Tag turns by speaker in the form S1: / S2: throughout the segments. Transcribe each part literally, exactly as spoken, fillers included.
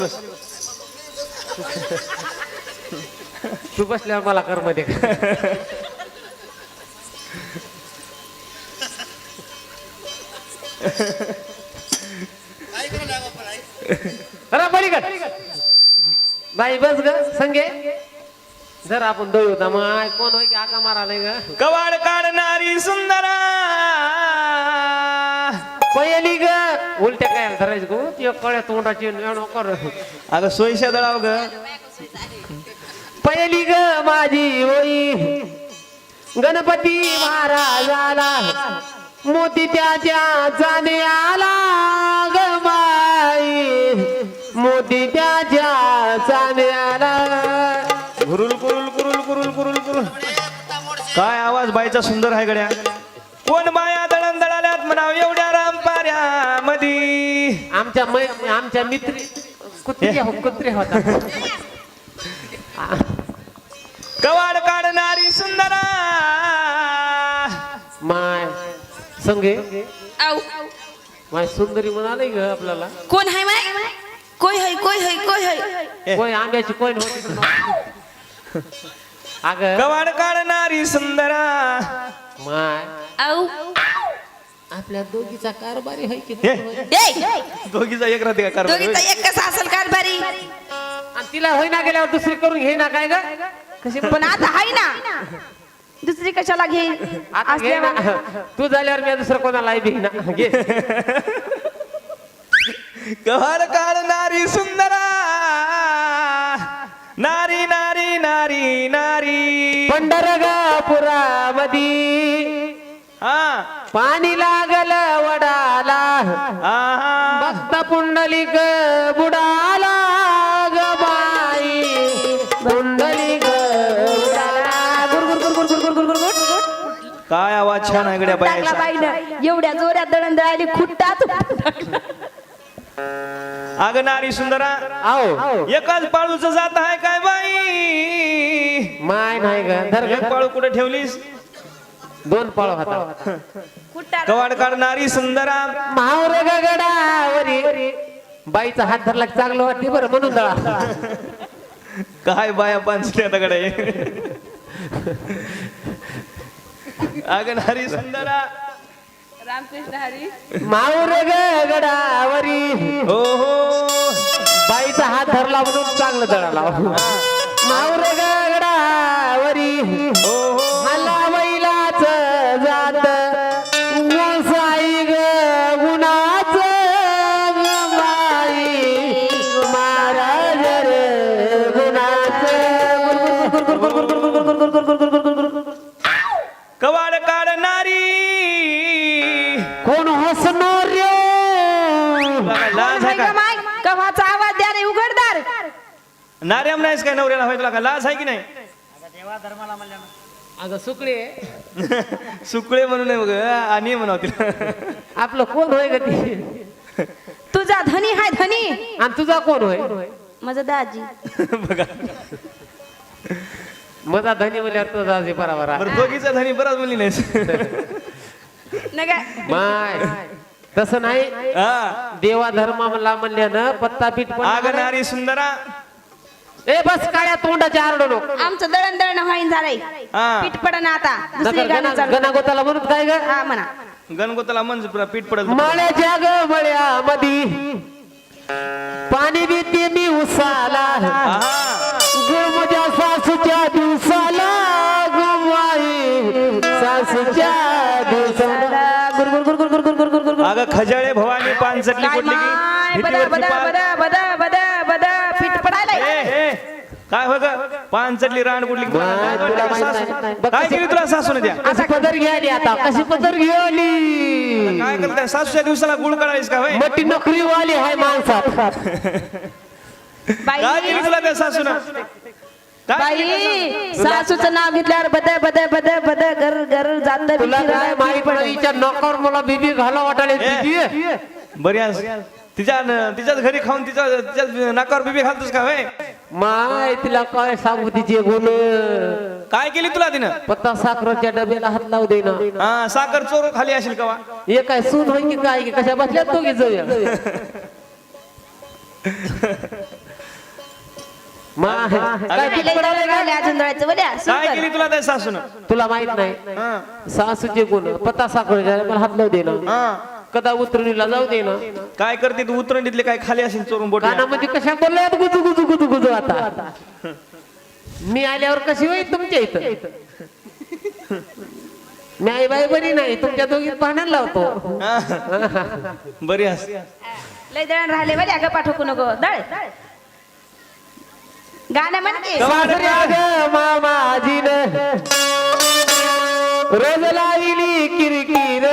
S1: तू बसल्यावर मला कर मध्ये बाई बस ग संगे जर आपण दळू होता मग कोण होय की आका मारायला ग
S2: कवाड काढणारी सुंदरा
S1: पहिली ग उलट्या काय धरायचं गो ती कळ्या तोंडाची कर
S2: अगं सोयीशा दळाव ग
S1: पहिली ग माझी होई गणपती महाराजाला मोती त्याच्या जाणे आला ग बाई मोती त्याच्या जाणे आला
S2: गुरुल कुरुल कुरुल कुरुल कुरुल कुरुल काय आवाज बाईचा सुंदर आहे गड्या कोण बाया दळण दळाल्यात म्हणाव एवढ्या रामपाऱ्या मधी
S1: आमच्या मै आमच्या मित्र कुत्रे हो कुत्रे होता
S2: कवाड काढणारी सुंदरा
S1: माय संगे
S3: आऊ
S1: माय सुंदरी म्हणाले ग आपल्याला
S3: कोण आहे माय कोय है कोय है कोय है
S1: कोण आंब्याची कोण होती अग
S2: कवाड काढणारी सुंदरा
S1: माय
S3: आऊ
S1: आपल्या दोघीचा कारभारी आहे की
S2: हे,
S3: ए
S2: दोघीचा एक राहते का कारभार?
S3: दोघीचा एक कसा असेल कारभारी
S1: आणि तिला होईना गेल्यावर दुसरी करून घे ना काय ग कशी
S3: पण आता आहे ना दुसरी कशाला घे
S1: आता घे ना तू झाल्यावर मी दुसरं कोणाला बी ना घे
S2: कवाड काढणारी सुंदरा नारी नारी नारी नारी
S1: पंढरगापुरामधी
S2: हा
S1: पाणी लागल वडाला
S2: आहा.
S1: भक्त पुंडलिक बुडाला ग बाई पुंडलिक बुडाला गुर गुर गुर गुर गुर गुर गुर गुर
S2: काय आवाज छान आहे गड्या
S3: टाकला
S2: बाईचा
S3: बाईनं एवढ्या जोऱ्यात दळण दळाली खुट्टात
S2: अगं नारी सुंदरा
S1: आओ
S2: एकाच पाळूच जात आहे काय बाई
S1: माय नाही ग धर
S2: एक
S1: ग
S2: पाळू कुठे ठेवलीस
S1: दोन पळ होता
S3: खुट्टात
S2: कवाड काढणारी सुंदरा
S1: मावर गगडावरी बाईचा हात धरला की चांगलं वाटते बरं म्हणून दळा
S2: काय बाया पांचल्या दगडे अगं नारी सुंदरा
S3: रामकृष्ण हरी
S1: मावर गगडावरी
S2: हो हो
S1: बाईचा हात धरला म्हणून चांगलं दळाला मावर गगडावरी
S2: हो हो
S1: मला बैलाच जात साई ग गुणाच बाई महाराज रे गुणाच
S2: कवाड काढणारी
S1: कोण हसणार रे
S2: लाज आहे का
S3: माय कव्हाचा आवाज द्या रे उघडदार
S2: नार्याम नाहीस काय नवऱ्याला होय तुला का लाज आहे की नाही
S1: अगं सुकडे
S2: सुकळे म्हणून नाही बघ आणि म्हणाव तिला
S1: आपलं कोण होय ग ती
S3: तुझा धनी हाय धनी
S1: आणि तुझा कोण होय
S3: माझा दाजी
S2: बघा
S1: माझा धनी म्हणल्यावर तुझा आजी बरोबर
S2: बरं दोघीचा धनी बराच मुली नाहीस
S3: नका
S1: माय तसं नाही
S2: हा
S1: देवा धर्माला म्हणल्यानं पत्ता पीठ
S2: अगं नारी सुंदरा
S1: ए बस काळ्या तोंडाच्या आरडू नको
S3: आमचं दळण दळण होईन झालंय
S2: हा
S3: पीठ पडा ना आता दुसरी गाणं चालू
S1: गणागोताला म्हणत काय ग
S3: हा म्हणा
S2: गणगोताला मंज पुरा पीठ पडत
S1: मळ्याच्या ग मळ्यामधी पाणी देते मी उसाला गुळमुच्या सासूच्या दिवसाला गुमाई सासूच्या दिवसाला गुर गुर गुर गुर गुर गुर गुर गुर गुर
S2: अगं खजाळे भवानी पान चटली
S3: काय
S2: पडली
S3: माय
S2: की
S3: बदा
S2: भीतीवरची
S3: बदा
S2: पान-
S3: बदा बदा बदा बदा पीठ पडायला
S2: ए, ए, काय हो ग पान चटली रान कुठली की पान-
S1: माय, तुला माहित नाही.
S2: सासू- काय केली तुला सासूने द्या
S1: कशी पदर घ्यायली आता कशी पदर घ्यायली
S2: काय करताय सासूच्या दिवसाला गुळ काढायस का होय
S1: मोठी नोकरी वाली आहे माणसात
S2: काय
S3: बाई
S2: केली तुला त्या सासून
S3: बाई सासूचं नाव घेतल्यावर बद बद बद बद घर घर जात
S1: तुला काय माहित पडायच्या नोकर मला बीबी घाला वाटाले बीबी
S2: बरी आहेस. तिच्या तिच्याच घरी खाऊन तिच्या तिच्या नाकावर बिबी घालतोस का होय
S1: माय तिला काय सांगू तिचे गुण
S2: काय केली तुला तिनं
S1: पत्ता साखरेच्या डब्याला हात लावू दे ना
S2: हा साखर चोर खाली असेल का वा?
S1: हे काय सून होय की काय की कशा बसल्यात दोघी जाऊया
S3: मा- काय पीठ
S1: लय
S3: पडायला
S1: दळण
S3: का?
S1: राहिले अजून दळायचं बोल्या
S2: काय
S1: सुंदर.
S2: केली तुला त्या सासून
S3: तुला माहित नाही सासूचे गुण पत्ता साखर मला हात लावू दे ना कदा उतरणीला जाऊ दे ना
S2: काय करते तू उतरणीतले काय खाली असेल चोरून बोट
S3: कानामध्ये कशा बोलल्यात गुजू गुजू गुजू गुजू आता मी आल्यावर कशी होईल तुमच्या इथं मी आई बाई बरी नाही तुमच्या दोघीत पाण्याला लावतो
S2: बरी अस
S1: लय दळण राहिले बोल्या ग पाठवू नको दळ गाणं म्हण की
S3: सासऱ्या ग मामाजीन रोज लाविली किरकिर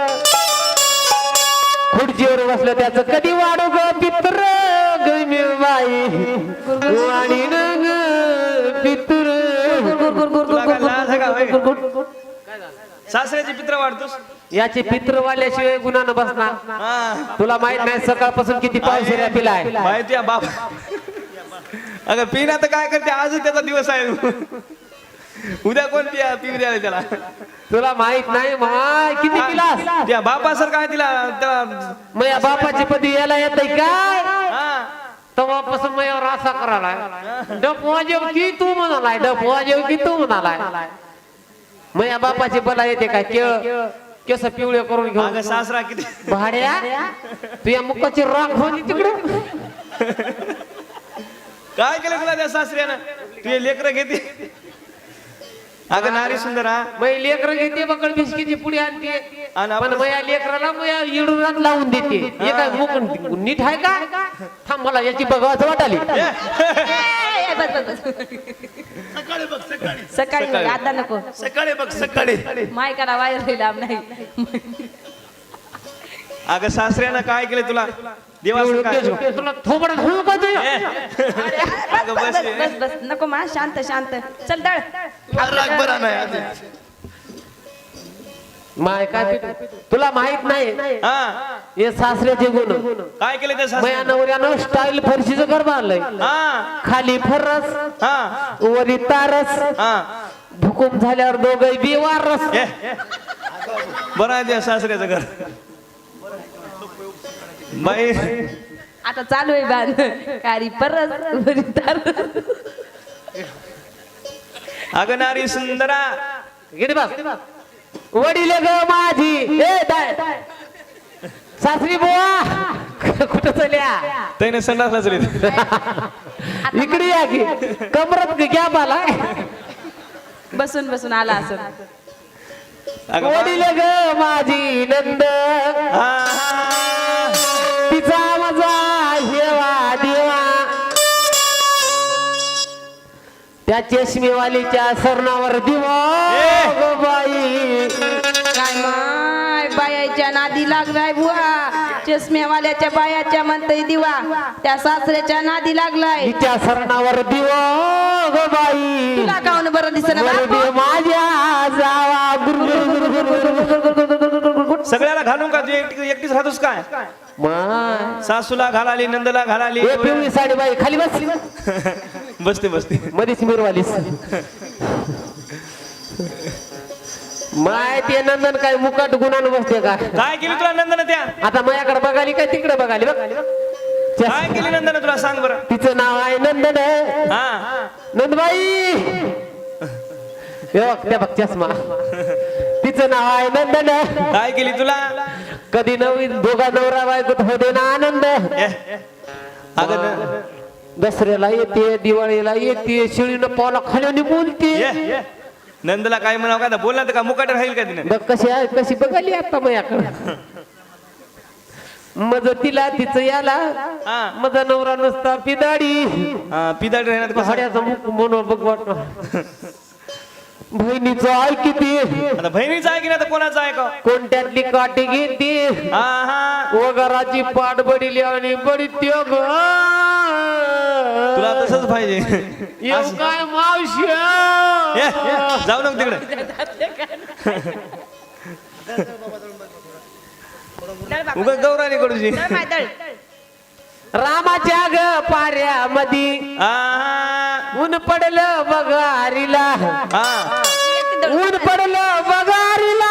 S3: खुर्चीवर बसलं त्याच कधी वाढू ग पित्र गमी बाई आणि ग पित्र
S2: तुला काय लाज आहे का होय? सासऱ्याची पित्र वाढतोस
S3: याचे पित्रवाल्याशिवाय गुन्हा बसणार
S2: हा
S3: तुला माहित नाही सकाळपासून किती पाऊस येण्या पिलाय
S2: माहिती आहे बाप अगं पिना तर काय करते आज त्याचा दिवस आहे उद्या कोण पिया पिऊ द्यायला त्याला
S3: तुला माहित नाही माय किती पिलास
S2: त्या बापा सर काय तिला त्याला
S3: मग या बापाची पदी यायला येत काय
S2: हा
S3: तेव्हापासून मग यावर असा करायलाय डप वाजव की तू म्हणालाय डप वाजव की तू म्हणालाय मग या बापाची बला येते काय केळ केस पिवळे करून
S2: अगं
S3: घेऊन
S2: सासरा किती
S3: भाड्या तू या मुखाची राख होती तिकडे
S2: काय केलं तुला त्या सासऱ्यानं तू लेकर घेते अगं नारी सुंदर हा
S3: मग लेकर घेते बकळ बिस्कीची पुडी आणते
S2: आणि
S3: पण
S2: आपण-
S3: मग या लेकराला मग या इडूनात लावून देते हे काय मुख नीट आहे का थांब मला याची बघावं वाटाली
S1: ए, ए, बस बस बस
S4: सकाळी बघ सकाळी
S1: सकाळी बघ, आता नको
S4: सकाळी बघ सकाळी
S1: मायकाला वायर लांब नाही
S2: अगं सासऱ्यानं काय केलं तुला देवाचं काय
S3: तुला थोबडा धरू का तू
S2: अगं
S1: बस
S2: बस
S1: बस बस बस नको मा शांत शांत चल दळ
S4: राग बरा नाही आधी.
S3: माय काय पीठ? तुला माहित नाही
S2: हा
S3: हे सासऱ्याचे गुण
S2: काय केलं त्या
S3: मया
S2: सासऱ्यानं
S3: नवऱ्यानं स्टाईल फरशीचं घर बांधलंय
S2: हा
S3: खाली फरस
S2: हा
S3: वरी तारस
S2: हा
S3: भूकंप झाल्यावर दोघं बिवारस
S2: ए, बरं आहे त्या सासऱ्याचं घर बाई
S1: आता चालू आहे बांध कारी परत वरी तारस.
S2: अगं नारी सुंदरा
S3: गिडी बस वडील ग माझी ए दाय सासरी बुवा कुठं चल्या
S2: त्याने संडासला चली
S3: इकडे या की कमरत गॅप आलाय
S1: बसून बसून आला असं
S2: अगं बा-
S3: वडील ग माझी नंद
S2: हा, हा.
S3: तिचा मजा हेवा देवा त्या चष्मेवालीच्या सरणावर दिवा
S2: ए!
S3: ग बाई
S1: काय माय बायाच्या नादी लागलाय बुवा चष्म्यावाल्याच्या बायाच्या म्हणतय दिवा त्या सासऱ्याच्या नादी लागलाय
S3: तिच्या सरणावर दिवा ग बाई
S1: तुला काऊन बरं दिसना
S3: वरदे माझ्या जावा गुरु गुरु गुरु गुरु गुरु गुरु गुरु गुरु गुरु गुरु गुरु.
S2: सगळ्याला घालून का तू एकटी एकटीच राहतोस काय
S3: माय
S2: सासूला घालाली नंदला घालाली
S3: ए पिवळी साडी बाई खाली बस
S2: बसते बसते
S3: मधीच मिरवालीस माय ते नंदन काय मुकाट गुणानं बसते का
S2: काय केली तुला नंदन त्या
S3: आता माझ्याकडे बघाली काय तिकडे बघाली बघ
S2: काय केली नंदन तुला सांग बरं
S3: तिचं नाव आहे नंदन
S2: हा
S3: नंदबाई हे बघ त्या बघ चष्मा तिचं नाव आहे नंदन
S2: काय केली तुला
S3: कधी नवीन दोघा नवरा बायकोत होते ना आनंद
S2: ए, अगं न-
S3: दसऱ्याला येते दिवाळीला येते शिळीनं पावला खाली बोलते
S2: ए, नंदला काय म्हणावं का बोलला तर का मुकाट राहील का तिने
S3: बघ कशी आहे कशी बघाली आता माझ्याकडे मज तिला तिचं याला
S2: हा
S3: माझा नवरा नसता पिदाडी
S2: हा, पिदाड राहणार कसं
S3: पहाड्याचा मुख म्हणून बघ वाटत बहिणीचं आहे किती
S2: आता बहिणीचं आहे की नाही तर कोणाचं आहे का
S3: कोणत्यातली काठी घेते
S2: हा हा
S3: वगराची पाठ बडीली आणि बडी त्यो ग
S2: तुला तसंच पाहिजे
S3: येऊ काय मावशी
S2: ए, ए, जाऊ नको तिकडे उगा गौराणी कडूची
S1: दळ माय दळ
S3: रामाच्या ग पाऱ्यामधी
S2: हा
S3: ऊन पडलं बगारीला
S2: हा
S1: एक दळ.
S3: ऊन पडलं बगारीला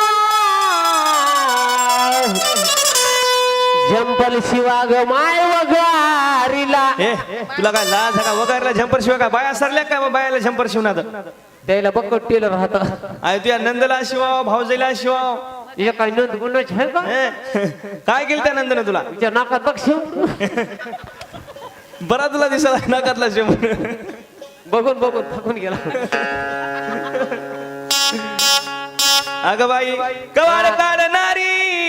S3: झंपल शिवा ग माय वगार नारीला
S2: ए तुला काय लाज आहे का वगैरेला झंपर शिवाय काय बाया सरल्या काय मग बायाला झंपर शिवणार
S3: त्याला बघ टेलर राहत
S2: अरे तुझ्या नंदला शिवाव भाऊजीला शिवाव
S3: हे काय नंद गुन्हाच आहे का
S2: ए, काय केलं त्या नंदनं तुला
S3: तुझ्या नाकात बघ शिव
S2: बरा तुला दिसला नाकातला शिव
S3: बघून बघून थकून गेला
S2: अगं बाई कवाड काढणारी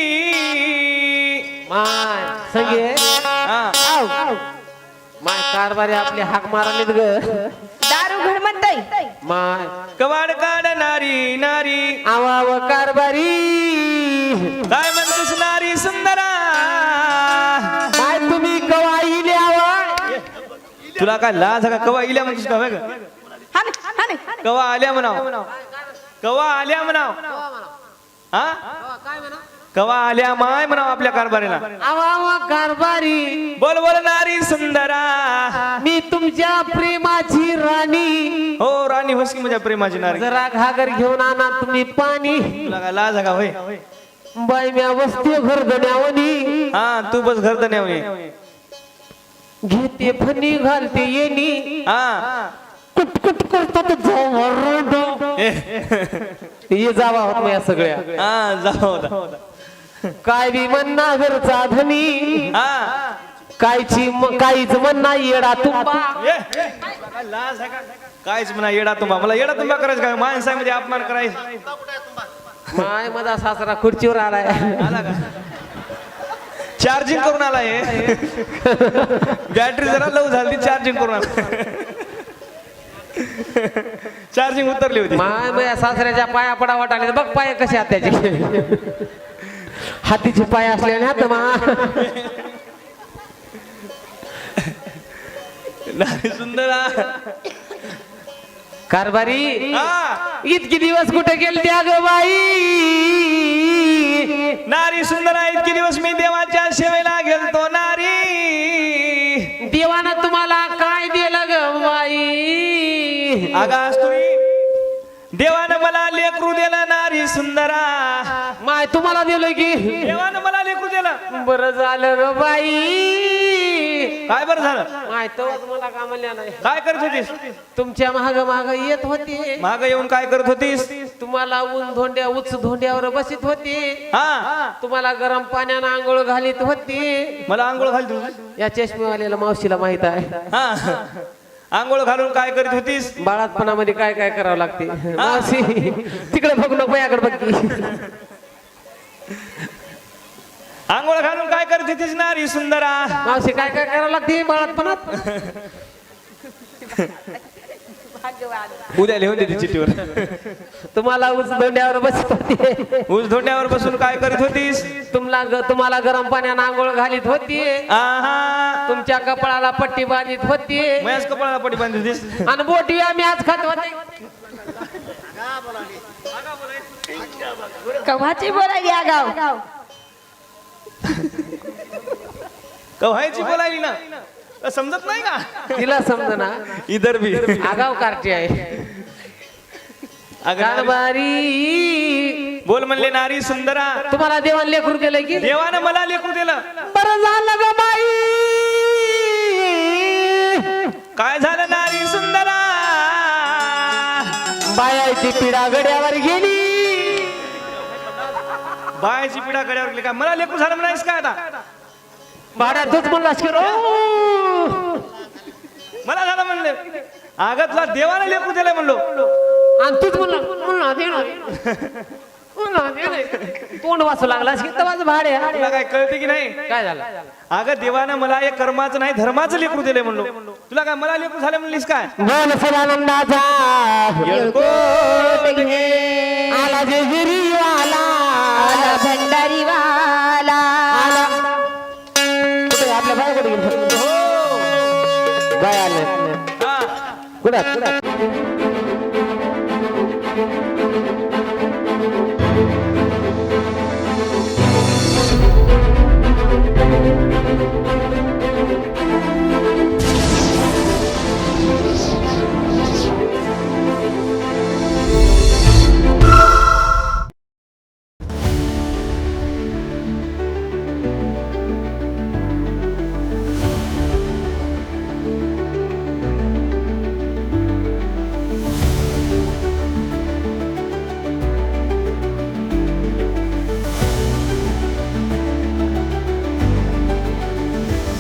S3: माय संगे
S2: हा
S3: माय कारभारी आपले हाक मारालेत ग
S5: दारू घर म्हणताय
S3: माय
S2: कवाड काढणारी नारी
S3: आवाव कारभारी
S2: काय म्हणतोस नारी सुंदरा
S3: काय तुम्ही कवाईले आवा
S2: तुला काय लाज आहे का कवा इल्या म्हणतोस का होय ग?
S5: हा ना, हा ना, हा ना.
S2: कवा आल्या म्हणाव कवा आल्या म्हणाव हा कवा आल्या माय म्हणाव आपल्या कारभारीला
S3: आवाव कारभारी
S2: बोल बोल नारी सुंदरा
S3: मी तुमच्या प्रेमाची राणी
S2: हो राणी होस की माझ्या प्रेमाची नारी
S3: जरा घागर घेऊन आणा तुम्ही पाणी
S2: तुला काय लाज आहे का होय
S3: बाई म्या वस्ती घरधण्यावनी
S2: हा तू बस घर तर नाही
S3: घेते फणी घालते येणी
S2: हा
S3: कुटकुट करतात जाऊ
S2: ए,
S3: ये जावा होत या सगळ्या
S2: हा जाऊ होता.
S3: काय बी म्हणना घरचा धनी
S2: हा
S3: कायची म- काहीच म्हणना येडा तुंबा
S2: ए, काय लाज आहे का कायच म्हणा येडा तुम्हा मला येडा तुम्हा करायचं काय माणसामध्ये अपमान करायचं
S3: माय माझा सासरा खुर्चीवर आलाय
S2: आला का चार्जिंग करून आलाय बॅटरी जरा लव झाली चार्जिंग करून आला चार्जिंग उतरली होती
S3: माय माझ्या सासऱ्याच्या पाया पडा वाटाले बघ पाय कसे आहेत त्याचे हातीचे पाय असलेले हात मा
S2: नारी सुंदरा
S3: कारभारी
S2: हा
S3: इतकी दिवस कुठे गेले त्या ग बाई
S2: नारी सुंदरा इतके दिवस मी देवाच्या सेवेला गेलतो नारी
S3: देवानं तुम्हाला काय दिलं ग बाई
S2: आगास तुम्ही देवानं मला लेकरू दिलं नारी सुंदरा
S3: माय तुम्हाला दिलं की
S2: देवानं मला लेकरू दिलं
S3: बरं झालं ग बाई
S2: काय बरं झालं
S3: माय तवाच मला का म्हणल्या नाही
S2: काय करत होतीस
S3: तुमच्या महाग महाग येत होते
S2: माग येऊन काय करत होतीस
S3: तुम्हाला ऊन धोंड्या उच धोंड्यावर बसित होते
S2: हा
S3: तुम्हाला गरम पाण्यानं आंघोळ घालीत होते
S2: मला आंघोळ घाल तू
S3: या चष्मेवाल्याला मावशीला माहित आहे
S2: हा आंघोळ घालून काय करत होतीस
S3: बाळातपणामध्ये काय काय करावं लागते मावशी तिकडे बघू नको याकडे बघ की.
S2: आंघोळ घालून काय करत होतीस नारी सुंदरा
S3: मावशी काय काय करावं लागते बाळातपणात
S2: उद्या लिहून देते चिठ्ठीवर
S3: तुम्हाला उच धोंड्यावर बसत होते
S2: ऊस धोंड्यावर बसून काय करत होतीस
S3: तुम्हाला ग- तुम्हाला गरम पाण्यानं आंघोळ घालीत होती
S2: आहा
S3: तुमच्या कपाळाला पट्टी बांधित होती
S2: मयाच कपाळाला पटी बांधली होतीस
S3: आणि बोटी आम्ही आज खात होते
S5: कव्हाची बोलायली आगाव
S2: कव्हायची बोलायली ना तर समजत नाही का
S3: तिला समजना
S2: इधर भी
S3: आगाव कार्टी आहे
S2: अगं नारी-
S3: कारभारी
S2: बोल म्हणले नारी सुंदरा
S3: तुम्हाला देवान लेकरू केलं की
S2: देवानं मला लेकरू दिलं
S3: बरं झालं ग बाई
S2: काय झालं नारी सुंदरा
S3: बायाची पिढा गड्यावर गेली
S2: बायाची पिढा गड्यावर गेली का मला लेकरू झालं म्हणायस का आता
S3: भाड्यातच म्हणलास की रो
S2: मला झालं म्हणले आगतला देवानं लेकरू दिलंय म्हणलो
S3: आणि तूच म्हणला म्हणला देणार म्हणला देणार. तोंड वाचू लागलास की तवाच भाडे
S2: तुला काय कळते की नाही
S3: काय झालं
S2: अगं देवानं मला एक कर्माचं नाही धर्माचं लेकरू दिलंय म्हणलो तुला काय मला लेकरू झालं म्हणलीस काय
S3: बोल सदानंदाचा
S5: येळकोट घे
S3: आला जेजुरीवाला
S5: आला भंडारीवाला
S3: आला कुठे आपल्या बाय कुठे गेले
S2: हो
S3: बाय आले
S2: हा
S3: कुठे